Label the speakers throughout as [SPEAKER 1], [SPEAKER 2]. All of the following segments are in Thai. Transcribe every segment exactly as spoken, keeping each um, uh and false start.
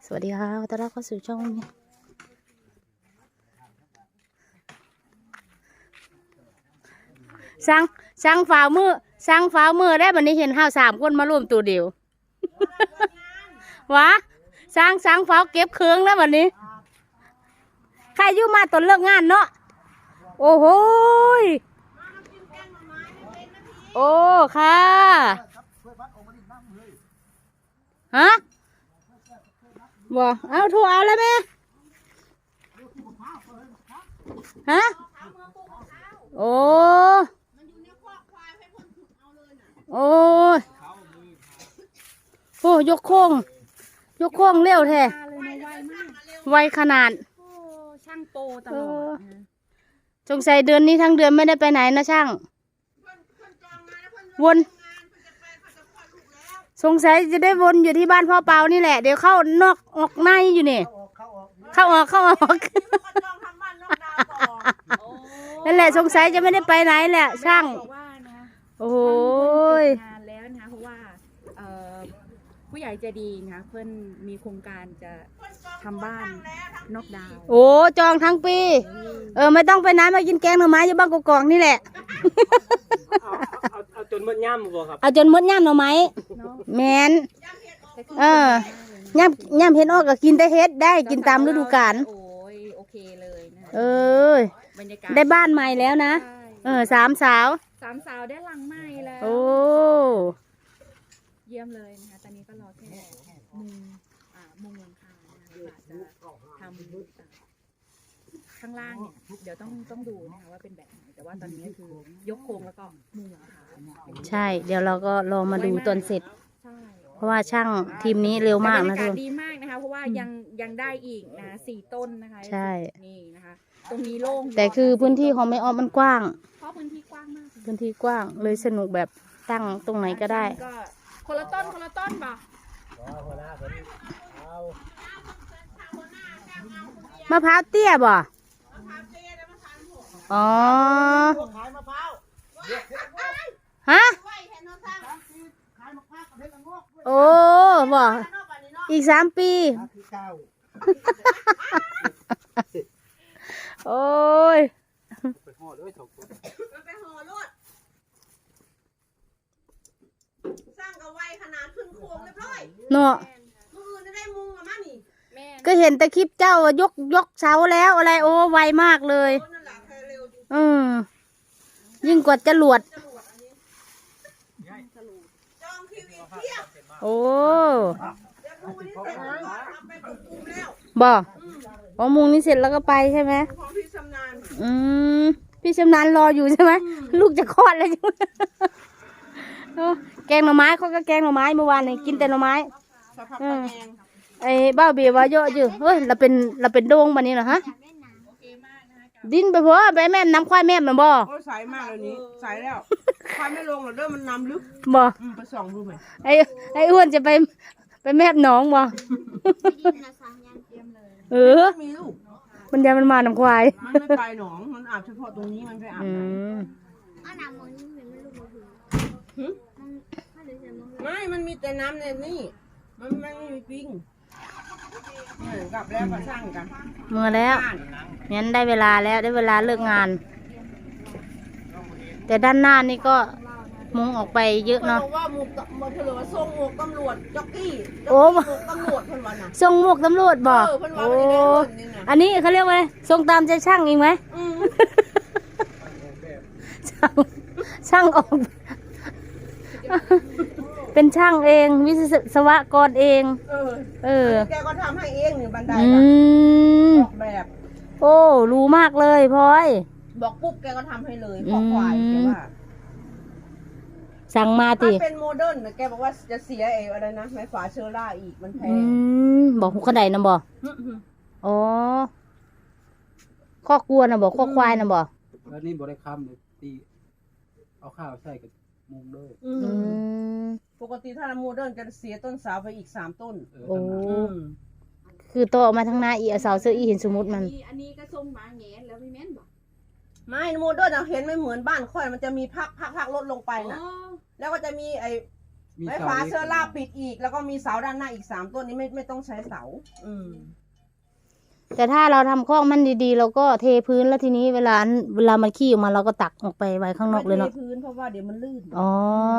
[SPEAKER 1] สวัสดีค่ะต้อนรับเข้าสู่ช่องสั่งสั่งฝ่ามือสั่งฝ่ามือได้บัดนี้เห็นห้าวสามคนมารวมตัวเดียว วะสั่งสั่งฝ่าเก็บเครื่องแล้วบัดนี้ใครอยู่มาตอนเลิกงานเนาะโอ้โหโอ้ค่ะฮะบ่เอาถูเอาแล้วแม่ฮะโอ้โอ้โอ้ยกโค้งยกโค้งเร็วแท้ไวขนาด
[SPEAKER 2] ช่างโปตลอด
[SPEAKER 1] สงสัยเดือนนี้ทั้งเดือนไม่ได้ไปไหนนะช่างวนสงสัยจะได้วนอยู่ที่บ้านพ่อเปานี่แหละเดี๋ยวเข้านอกออกในอยู่นี่เข้าออกเข้าออกนั่นแหละสงสัยจะไม่ได้ไปไหนแหละช่างโอ้ย
[SPEAKER 2] งานแล้วนะคะเพราะว่าผู้ใหญ่ใจดีนะคะเพื่อนมีโครงการจะทำบ้านนอกดาว
[SPEAKER 1] โอ้จองทั้งปีเออไม่ต้องไปไหนมากินแกงหน่อไม้อยู่บ้านกอกๆนี่แหละ
[SPEAKER 3] เอาเอาจนมดย่ำบ่ครับ
[SPEAKER 1] เอาจนมดย่ำหน่อไม้แมนเออย่ำย่ำเห็ดออกก็กินแต่เห็ดได้กินตามฤดูกาล
[SPEAKER 2] โอ้ยโอเคเลยนะ
[SPEAKER 1] เออได้บ้านใหม่แล้วนะเออสามสาว
[SPEAKER 2] สามสาวได้หลังใหม่แล้ว
[SPEAKER 1] โอ้
[SPEAKER 2] เยี่ยมเลยนะคะตอนนี้ก็รอแค่มุงอ่ามุงหลังคานะคะจะทำข้างล่างเนี่ยเดี๋ยวต้องต้องดูนะคะว่าเป็นแบบไหนแต่ว่าตอนนี้คือยกโครงแล้วก็มุงหลังคา
[SPEAKER 1] ใช่เดี๋ยวเราก็รอมาดูตอนเสร็จเพราะว่าช่างทีมนี้เร็วมากนะทุกคน
[SPEAKER 2] ดีมากนะคะเพราะว่ายังยังได้อีกนะสี่ต้นนะคะ
[SPEAKER 1] ใช่
[SPEAKER 2] นี่นะคะตรงนี้โล่ง
[SPEAKER 1] แต่คือพื้นที่ของแม่ออมมันกว้าง
[SPEAKER 2] เพราะพื้นที่กว้างมาก
[SPEAKER 1] พื้นที่กว้างเลยสนุกแบบตั้งตรงไหนก็ได้
[SPEAKER 2] คนละต้นคนละต้นป่ะ
[SPEAKER 1] มะพร้าวเตี้ยบ่อ๋อฮะโอ้บ่อีกสามปีโอ้ย
[SPEAKER 3] ไปห่อด้วยถก
[SPEAKER 4] ไปห่อรถสร้างกับไวขนาดขึ้นโค้งเรียบร้อย
[SPEAKER 1] เนาะ
[SPEAKER 4] มือจะได้มุงอะมั้งนี่
[SPEAKER 1] ก็เห็นแต่คลิปเจ้ายกยกเสาแล้วอะไรโอ้ไวมากเลยอืมยิ่งกว่าจรวดโอ้บ่อ๋อมุงนี้เสร็จแล้วก็ไปใช่ไหมอืมพี่ชำนาญรออยู่ใช่ไหมลูกจะคลอดแล้วใช่ไหมแกงหน่อไม้เขาก็แกงหน่อไม้เมื่อวานนี่กินแต่หน่อไม้ไอ้บ้าเบียว่าเยอะอยู่เฮ้ยเราเป็นเราเป็นโด่งบันนี้เหรอฮะดินไปเพราะไปแม่น้ำควายแม่มันบ่
[SPEAKER 4] โอ้ใสมากเลยนี้ใสแล้วควายไม่ลงหรอกเด้อมันน้ำลึก
[SPEAKER 1] บ่
[SPEAKER 4] ไปส่องดูไหม
[SPEAKER 1] ไอ้ไอ้อ้วนจะไปไปแม่หนองบ่เออ
[SPEAKER 4] มีลูก
[SPEAKER 1] มันยามันมาน้ำควาย
[SPEAKER 4] มันไม่ไปหนองมันอาบเฉพาะตรงนี้มันไปอาบไหนไม่มันมีแต่น้ำในนี่มันไม่มีปิ้งกลับแล้วก็สร้างกัน
[SPEAKER 1] เมื่อแล้วงั้นได้เวลาแล้วได้เวลาเลิกงานแต่ด้านหน้านี่ก็มุงออกไปเยอะเนาะ
[SPEAKER 4] ว่าหมวกหมวกเถลอทรงหมวกตำรวจจ็อกกี้
[SPEAKER 1] โอ้
[SPEAKER 4] หมวกตำรวจเพิ่นว่าน่ะ
[SPEAKER 1] ทรงหมวกตำรวจบอกโอ้อันนี้เขาเรียกว่าทรงตามใจช่างเองไหมช่างช่างออกเป็นช่างเองวิศวกรเอง
[SPEAKER 4] เออ
[SPEAKER 1] เออ
[SPEAKER 4] แกก็ทำให้เองนี่บันไดออกแบบ
[SPEAKER 1] โอ้รู้มากเลยพลอย
[SPEAKER 4] บอกปุ๊บแกก็ทำให้เลยขอควายแกว่า
[SPEAKER 1] สั่งมาติ
[SPEAKER 4] เป็นโมเดิร์นแกบอกว่าจะเสียเออะไรนะไม้ฝาเชอร่าอีกมันแพง
[SPEAKER 1] บอกหุกกระไดนะบอกอ๋อข้อกลัวนะบอกข้อควายนะบอก
[SPEAKER 3] แล้วนี่บริคำเลยตีเอาข้าวใส่กับมุงด้วย
[SPEAKER 4] ปกติถ้าโมเดิร์นจะเสียต้นสาวไปอีกสามต้น
[SPEAKER 1] โอ้คือโตออกมาทางหน้าอีเอาเสาเสื้ออีเห็นสมมติมัน
[SPEAKER 2] อันนี้ก็ทรงหมาแงนแล้วพี่แม่นบอก
[SPEAKER 4] ไม่โมเดิร์นเห็นไม่เหมือนบ้านค่อยมันจะมีพักพักพักลดลงไปนะแล้วก็จะมีไอ้
[SPEAKER 3] มี
[SPEAKER 4] ไม้
[SPEAKER 3] เสา
[SPEAKER 4] ฝา
[SPEAKER 3] ล็ก
[SPEAKER 4] เสื้อลาบปิดอีก แล้วก็มีเสาด้านหน้าอีกสามต้นนี้ไม่ไม่ต้องใช้เสา อืม
[SPEAKER 1] แต่ถ้าเราทำคอกมันดีๆเราก็เทพื้นแล้วทีนี้เวลาเวลามันขี้ออกมาเราก็ตักออกไปไว้ข้างนอกเลยเนาะ
[SPEAKER 4] ไม่ทพื้นเพราะว่าเดี๋ยวมันลื่น
[SPEAKER 1] อ๋อ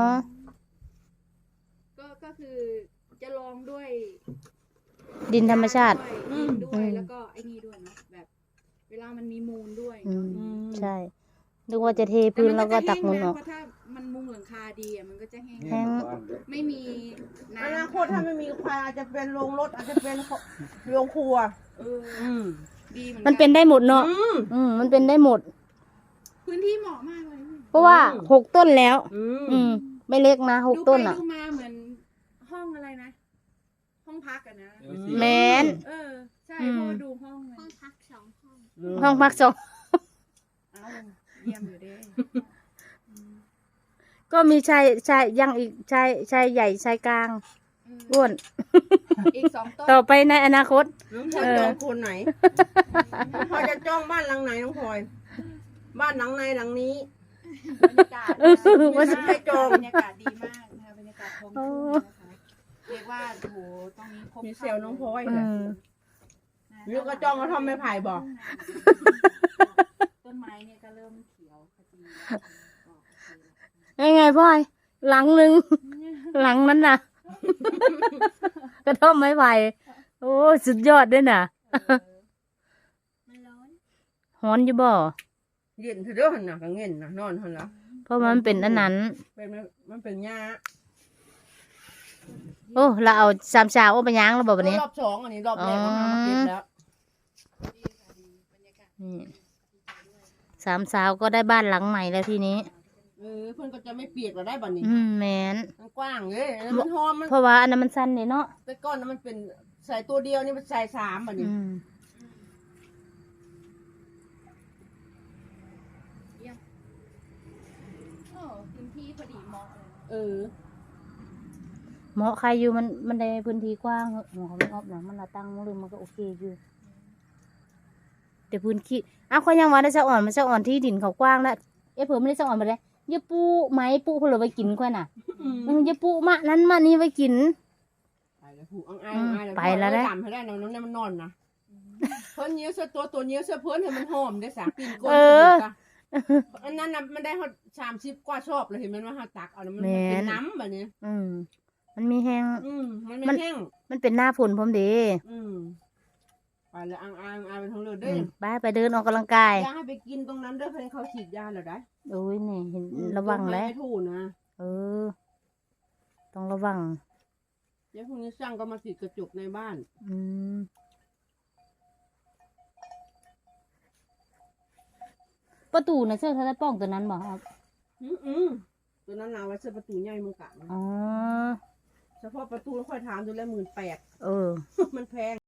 [SPEAKER 2] ก็ก็คือจะลองด้วย
[SPEAKER 1] ดินธรรมชาติ
[SPEAKER 2] ดินด้ว
[SPEAKER 1] อื
[SPEAKER 2] ย
[SPEAKER 1] ม
[SPEAKER 2] แล้วก็ไอ้นี่ด้วยเนาะแบบ เวลามันมีมูลด้วย
[SPEAKER 1] อืม
[SPEAKER 4] อืม
[SPEAKER 1] ใช่นึกว่าจะเทพื้นแล้วก็ตักมูลออก
[SPEAKER 2] เพราะถ้ามันมุงหลังคาดีอ่ะมันก็จะแห้ง
[SPEAKER 1] แห้ง
[SPEAKER 2] ไม่มี
[SPEAKER 4] อนา
[SPEAKER 2] น้ำ
[SPEAKER 4] คตถ้าไม่มีควายอาจจะเป็นโรงรถอาจจะเป็นโรงครัว
[SPEAKER 2] เออ
[SPEAKER 4] อืม
[SPEAKER 2] ดีเหมือน
[SPEAKER 1] มันเป็นได้หมดเนาะ
[SPEAKER 4] อืม
[SPEAKER 1] อืมมันเป็นได้หมด
[SPEAKER 2] พื้นที่เหมาะมากเลย
[SPEAKER 1] เพราะว่า
[SPEAKER 4] อืม
[SPEAKER 1] หกต้นแล้ว
[SPEAKER 4] อืม
[SPEAKER 1] อืม ไม่เล็กนะหก
[SPEAKER 2] ดู
[SPEAKER 1] ต้น
[SPEAKER 2] ไป
[SPEAKER 1] อ่ะ
[SPEAKER 2] ดูมาเหมือนห้องอะไรนะ ห้องพักอะนะ
[SPEAKER 3] เดี๋ยวสิ
[SPEAKER 1] แมน
[SPEAKER 2] เออ ใช่
[SPEAKER 1] อืม
[SPEAKER 2] เพราะว่าดูห้องเลย
[SPEAKER 5] ห้องพักสองห้อง
[SPEAKER 1] ห้องพักสอง
[SPEAKER 2] เอาเยี่ยมอยู่เด้
[SPEAKER 1] ก็มีชายชายยังอีกชายชายใหญ่ชายกลาง
[SPEAKER 2] อืม
[SPEAKER 1] อ้วน
[SPEAKER 2] อีกสองต้น
[SPEAKER 1] ต่อไปในอนาคต
[SPEAKER 4] น้องพลอยจองคนไหนน้องพลอยจะจ้องบ้านหลังไหนน้องพลอย บ้านหลังในหลังนี้
[SPEAKER 2] บรรยากาศ
[SPEAKER 1] เออ
[SPEAKER 2] ดี
[SPEAKER 1] ว่า
[SPEAKER 2] มา
[SPEAKER 1] จะ
[SPEAKER 2] ก
[SPEAKER 4] ไปจอง
[SPEAKER 2] บรรยากาศดีมากนะคะบรรยากาศท้องทุ่งนะคะเรียกว่าโอ้โหตรงนี้ครบ
[SPEAKER 4] มีเซลล์น้องพลอย
[SPEAKER 1] อื
[SPEAKER 4] เลย
[SPEAKER 1] ม
[SPEAKER 4] ลูกกระจ้องกระท่อมไม้ไผ่บอก
[SPEAKER 2] ต้นไม้เนี่ยก็เริ่มเขียวขจี
[SPEAKER 1] ยังไงพ่อย หลังหนึ่ง หลังนั้นน่ะ กระท่อมไม้ไผ่โอ้สุดยอดด้วยน่ะ
[SPEAKER 5] มันร้อน
[SPEAKER 1] ฮ้อนอยู่บ่
[SPEAKER 4] เย็นเถอะเด้อหันหนักกังเงินนะนอนหันละ
[SPEAKER 1] เพราะมันเป็นอันนั้น
[SPEAKER 4] เป็นมันเป็นหญ้า
[SPEAKER 1] โอ้เราเอาสามชาวเอาไปย่างแล้วบ่บัดนี้
[SPEAKER 4] รอบสองอันนี้รอบแรกเรามาเก็บแล้ว
[SPEAKER 1] นี่สามสาวก็ได้บ้านหลังใหม่แล้วทีนี้
[SPEAKER 4] เออเพื่อนก็จะไม่เปียกเราได้บัดนี้
[SPEAKER 1] อืมแมน
[SPEAKER 4] มันกว้างเลยแล้วมันหอมมัน
[SPEAKER 1] เพราะว่าอันนั้นมันสั้นเนี่ยเนาะ
[SPEAKER 4] แต่ก้อนนั้นมันเป็นใส่ตัวเดียวนี่มันใส่สามบัดนี้
[SPEAKER 1] อืม
[SPEAKER 2] โอ้พื้นที่พอดีเหมาะเลย
[SPEAKER 4] เออ
[SPEAKER 1] เหมาะใครอยู่มันมันได้พื้นที่กว้างเหอะหัวเขาไม่ออบหนังมันละตั้งมันเลยมันก็โอเคอยู่แต่พื้นที่อ้าวเขายังว่าได้สะอ่อนมันสะอ่อนที่ดินเขากว้างแล้วเอ๊ะเผื่อไม่ได้สะอ่อนไปเลยอย่าปูไม้ปูเผื่อไปกินค่อยน่ะ
[SPEAKER 4] อืม
[SPEAKER 1] เอออย่าปูมะนั้นมะนี้ไปกิน
[SPEAKER 4] ไปแล้วผูกอังอายอังอายแล้ว
[SPEAKER 1] ไปแล้วนะ
[SPEAKER 4] จำให้ได้น้องน้องเนี่ยมันนอนนะเพิ่นเนี้ยเสื้อตัวตัวเนี้ยเสื้อเพิ่นให้มันหอมได้สามปีนก้น
[SPEAKER 1] เออ
[SPEAKER 4] สุดๆจ้ะอันนั้นน่ะมันได้ฮอดสามสิบกว่าชอบเลยเห็นมันว่าหาตักเอาแล้วมันเป็นน้ำแบบนี้
[SPEAKER 1] อืมมันมีแห้ง
[SPEAKER 4] อืมมัน
[SPEAKER 1] มั
[SPEAKER 4] ไม่
[SPEAKER 1] น
[SPEAKER 4] แห้ง
[SPEAKER 1] มันเป็นหน้าฝนพร้อมเดี
[SPEAKER 4] อืมไปแล้วอังอายอังอายเป็นทั้งเลย
[SPEAKER 1] อื
[SPEAKER 4] เด้อ
[SPEAKER 1] มไปไปเดินออกกำลังกาย
[SPEAKER 4] อย่าให้ไปกินตรงนั้นเด้อเพื่อนเขาฉีดยาแล้วได้
[SPEAKER 1] โอ้ยนี่เห็น
[SPEAKER 4] อืม
[SPEAKER 1] ระวังแล้ว
[SPEAKER 4] ไม่ถูกนะ
[SPEAKER 1] เออ ต้องระวัง
[SPEAKER 4] เดี๋ยวพรุ่งนี้ช่างก็มาติดกระจกในบ้าน
[SPEAKER 1] อืมประตูนะเสื้อทะเลป้องตัวนั้นบอกครับ
[SPEAKER 4] อืมอืมตัวนั้นเอาไว้เสื้อประตูใหญ่มือกะ
[SPEAKER 1] อ๋อ
[SPEAKER 4] เฉพาะประตูค่อยถามดูแลหมื่นแปด
[SPEAKER 1] เออ
[SPEAKER 4] มันแพง